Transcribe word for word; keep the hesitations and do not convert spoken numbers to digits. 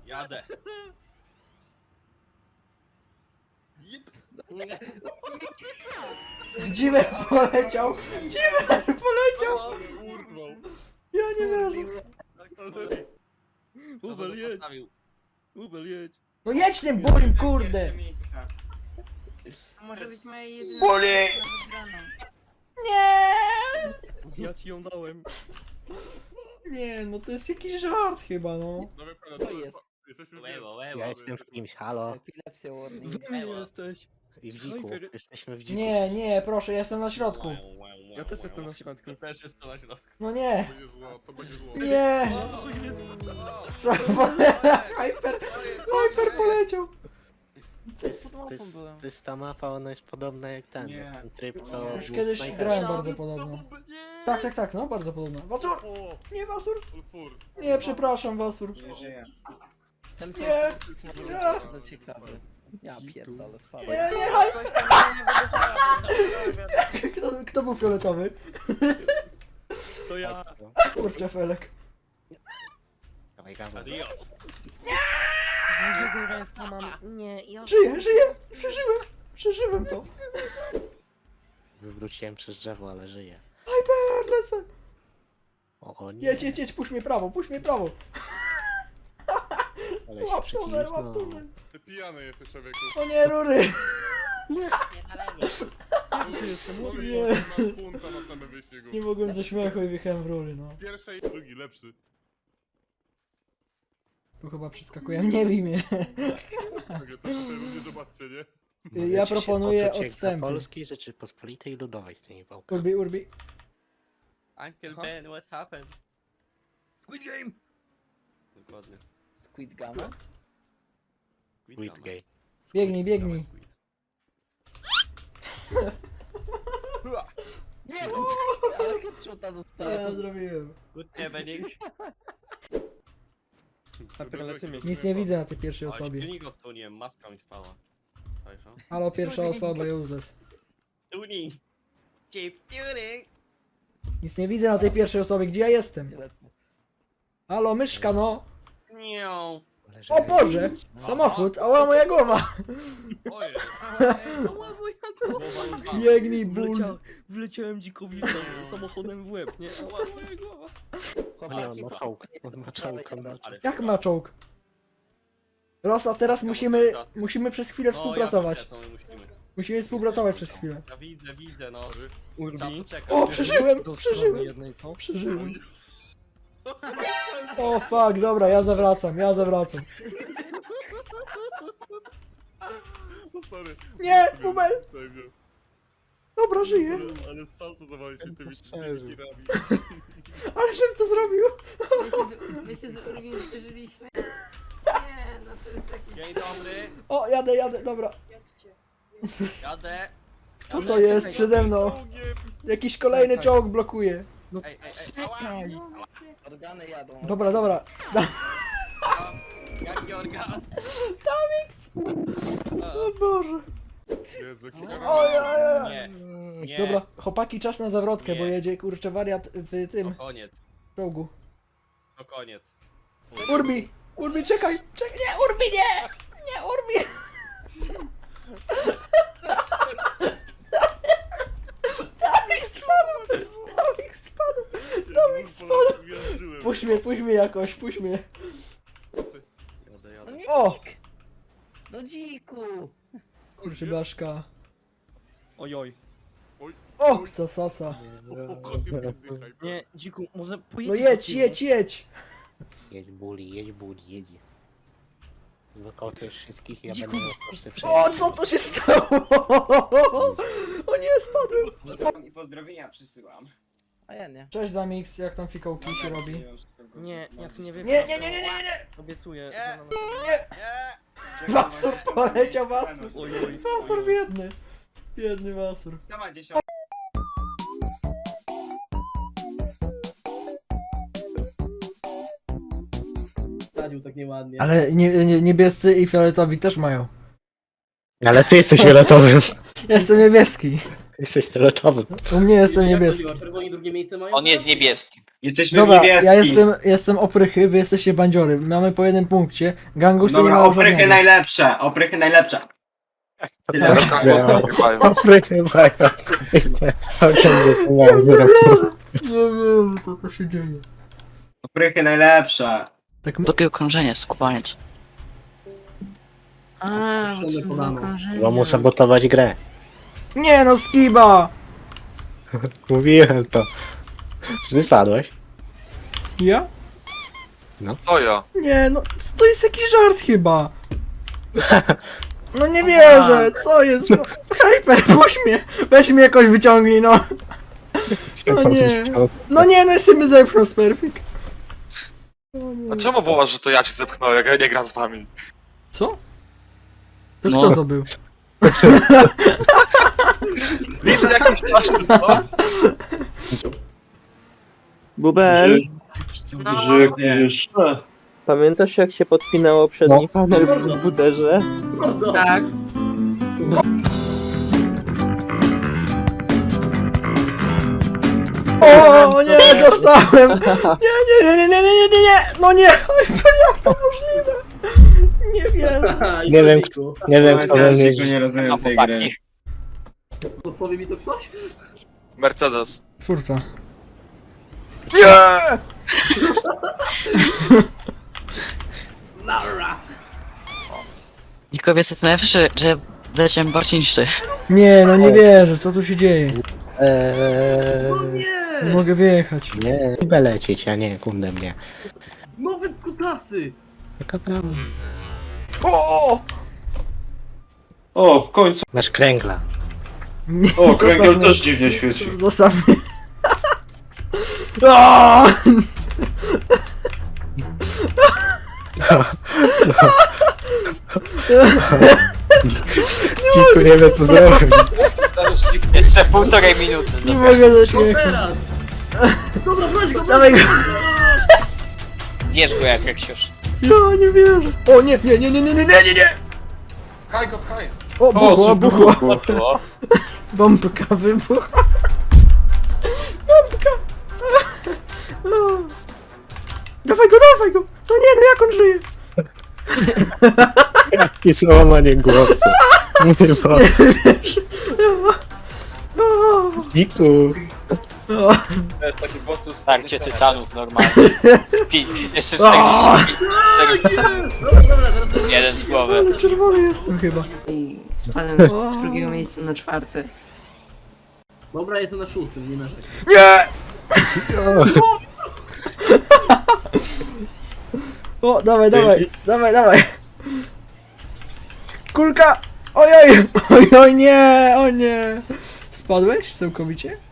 Jadę. Dziwek poleciał! Dziwek poleciał! Urwał. Ja nie wierzę. Kto Ubel to jedź, postawił? Ubel jedź. No jedź tym bulim, kurde! Pierwsze miejsca. To może być moja jedyna Boli! szansa na wygraną. Nie! Ja ci ją dałem. Nie, no to jest jakiś żart chyba, no. No wie pan, To jest. Jesteśmy w Łewo, Ja łewo. jestem w kimś, halo. Epilepsja warning. Wy mnie jesteś. I w dziku. Hyper. Jesteśmy w dziku. Nie, nie, proszę, ja jestem na środku. Ja też jestem na środku. Ja też jestem na środku. No To nie, będzie zło, to będzie zło. nie! Co to jest? Co? Hyper, Hyper poleciał! To jest, to, jest, to jest ta mapa, ona jest podobna jak ten. Nie. Ten tryb, co Już był kiedyś snajper. grałem bardzo podobno. Tak, tak, tak, no bardzo podobno. Wasur! O, Nie, Wasur! fur. Nie, przepraszam, Wasur. Nie żyję. Ten Nie, first nie. bardzo ciekawy. Ja pierdolę, spadłem. Nie, nie, Hyper! Coś tam nie wygląda. Kto, kto był fioletowy? To ja. Kurczę, Felek. Dawaj, dawaj. Adios. Drugiego ręstwa mam. Nie, ja... Żyję, żyję! Przeżyłem! Przeżyłem to! Wywróciłem przez drzewo, ale żyję. Hyper, lecę! O, o nie. Jedź, jedź, jedź, puść mnie prawo, puść mnie prawo! Ale się Łap tunel, łap przycisnął. tunel! Ty pijany jesteś, człowieku. O nie, rury! Nie na lewo. jestem No Nie. i masz punta na samym wyścigu. Nie mogłem ze śmiechu i wjechałem w rury, no. Pierwszy i drugi, lepszy. Tu chyba przeskakuję, nie bij mnie. Tak jest, to sobie nie zobaczcie, nie? Mogę Ja ci się proponuję poczuć jak za odstępy. Polskiej Rzeczypospolitej Ludowej z tymi pałkami. Urbi, urbi. Uncle Aha. Ben, what happened? Squid Game! Dokładnie. Squid Gamma? Squid Gay. Biegnij, biegnij. Squid. Nie! Ale headshota Co ja dostałem. zrobiłem? Good evening. Hyper, lecimy. Nic nie widzę na tej pierwszej O, osobie. silnik odsłoniłem, maska mi spała. Także. Halo, pierwsza osoba, useless. Tuning. Chip tuning. Nic nie widzę na tej pierwszej osobie, gdzie ja jestem? Lecę. Halo, myszka, no! Nią. Ale O Boże! Samochód, ała moja głowa! Ojej. Ała, moja głowa. Biegnij, ból! Wlecia... Wleciałem dzikowi sam- samochodem w łeb, nie? Ała, moja głowa. O nie, on ma czołg. On ma czołg, on ma czołg. Ale Jak ma czołg? Rosa, teraz musimy, musimy przez chwilę No, ja współpracować. widzę, co my musimy. Musimy współpracować przez chwilę. Ja widzę, widzę, no. Trzeba Urbi. poczekać. O, przeżyłem, Do strony przeżyłem, jednej, co? przeżyłem. O fuck, dobra, ja zawracam, ja zawracam. No sorry. Nie, Bubel! Tutaj mnie. Dobra, żyję. Ale sam to zawalił się tymi Przeżył. tymi tirami. Ale żebym to zrobił. My się z, my się z Urwin przeżyliśmy. Nie, no to jest jakiś... Dzień dobry. O, jadę, jadę, dobra. Jadę. Co to jest przede mną? Czołgiem. Jakiś kolejny czołg blokuje. No Ej, ej, ej. Ała. czekaj! Organy jadą. Dobra, dobra. Ała. Jaki organ? O Boże. Jezu, jak się Oj, oj, oj. Nie, nie. Dobra, chłopaki, czas na zawrotkę, bo Nie. jedzie kurczę wariat w To tym koniec. czołgu. To koniec. Urbi! Urbi, czekaj! Czekaj! Nie, Urbi, nie! Nie, Urbi! Dawik spadł! Dawik spadł! Dawik spadł! Puść mnie, puść mnie jakoś, puść mnie. Jadę, No jadę. nie, O! dzik! No dziku! Kurczę blaszka. Ojoj. O, sasasa. Nie, dziku, może No pojedziesz jedź, do tyłu? jedź, jedź! Jedź buli, jedź buli, jedź. Znokautujesz wszystkich i ja Dziku. będę miał koszty O, co to się stało? O nie, spadłem! I pozdrowienia przysyłam. A ja nie. Cześć Damix, jak tam fikołki się robi? Nie, jak nie wiem. Nie, nie, nie, nie, nie, nie! Obiecuję, Nie. że na... Nie! Nie. Wasur poleciał, Wasur! Ojoj. Wasur biedny! Biedny Wasur. Dawaj, dziesiąt. Radził tak nieładnie. Ale nie, nie, niebiescy i fioletowi też mają. Ale ty jesteś fioletowym. Jestem niebieski. Jesteś fioletowym. U mnie jestem Jak to niebieski. działa? Czerwoni drugie miejsce mają? On jest niebieski. Jesteśmy Dobra, w niebieskim. ja jestem, jestem oprychy, wy jesteście bandziory. Mamy po jednym punkcie. Gangus to nie Dobra, ma oprychy żadnego. najlepsze, oprychy najlepsze. Afrykę mają. Nie wiem, co to się dzieje. Oprychy najlepsze. Tak Drugie okrążenie, skubaniec. A, Szone bo to było kolano. okrążenie. Bo mu sabotować grę. Nie no, skiba! Mówiłem to. Czy ty spadłeś? Ja? To ja. Nie no, to jest jakiś żart chyba. No nie wierzę, co jest? No, Hyper, puść mnie! Weź mnie jakoś wyciągnij, no. No nie. No nie, no jeszcze mnie zepchnął z perfik. A czemu wołasz, że to ja ci zepchnąłem, jak ja nie gram z wami? Co? To No. kto to był? Widzę jakiś straszny, no. Bubel, No, jeszcze. pamiętasz jak się podpinało przedni panel w buderze? tak. O nie, dostałem! Nie, nie, nie, nie, nie, nie, nie, nie, no nie! Hyper, jak to możliwe? Nie wiem. Nie wiem, kto, nie wiem kto we mnie... nie rozumiem tej gry. Podpowie mi to ktoś? Mercedes. Twórca. Nie! Lara! Niko, wiesz co to najlepsze, że wleciałem bardziej niż ty. Nie, no nie wierzę, co tu się dzieje? Eee, Nie mogę wyjechać. nie, chcę lecieć, a nie, kundem nie. Nowe kutasy! Taka prawda. O! O, w końcu. Masz kręgla. Nie, O, zostaw kręgiel mnie. też dziwnie świeci. Zostaw mnie. O! Dziku nie wie co zrobić. Jeszcze półtorej minuty. Nie mogę ze śmiechu. Teraz! Dobra, weź go, Dawaj go. Bierz go jak Reksiusz. Ja nie wierzę. O nie, nie, nie, nie, nie, nie, nie, nie, nie. Pchaj go, pchaj. O, buchło, buchło. było? Bombka wybuchła. Bombka. O. Dawaj go, dawaj go. No nie, no jak on żyje? I złamanie głosu. Nie wiem. O. Dziku. O. Taki po prostu Starcie tytanów normalnie. Pi, jeszcze O. Jeden z głowy. Ale czerwony jestem chyba. I spadłem z drugiego miejsca na czwarte. Dobra, jestem na szóstym, nie narzekaj. Nie! O, dawaj, dawaj, dawaj, dawaj. Kulka! Ojoj! Ojoj, nie! O nie! Spadłeś całkowicie?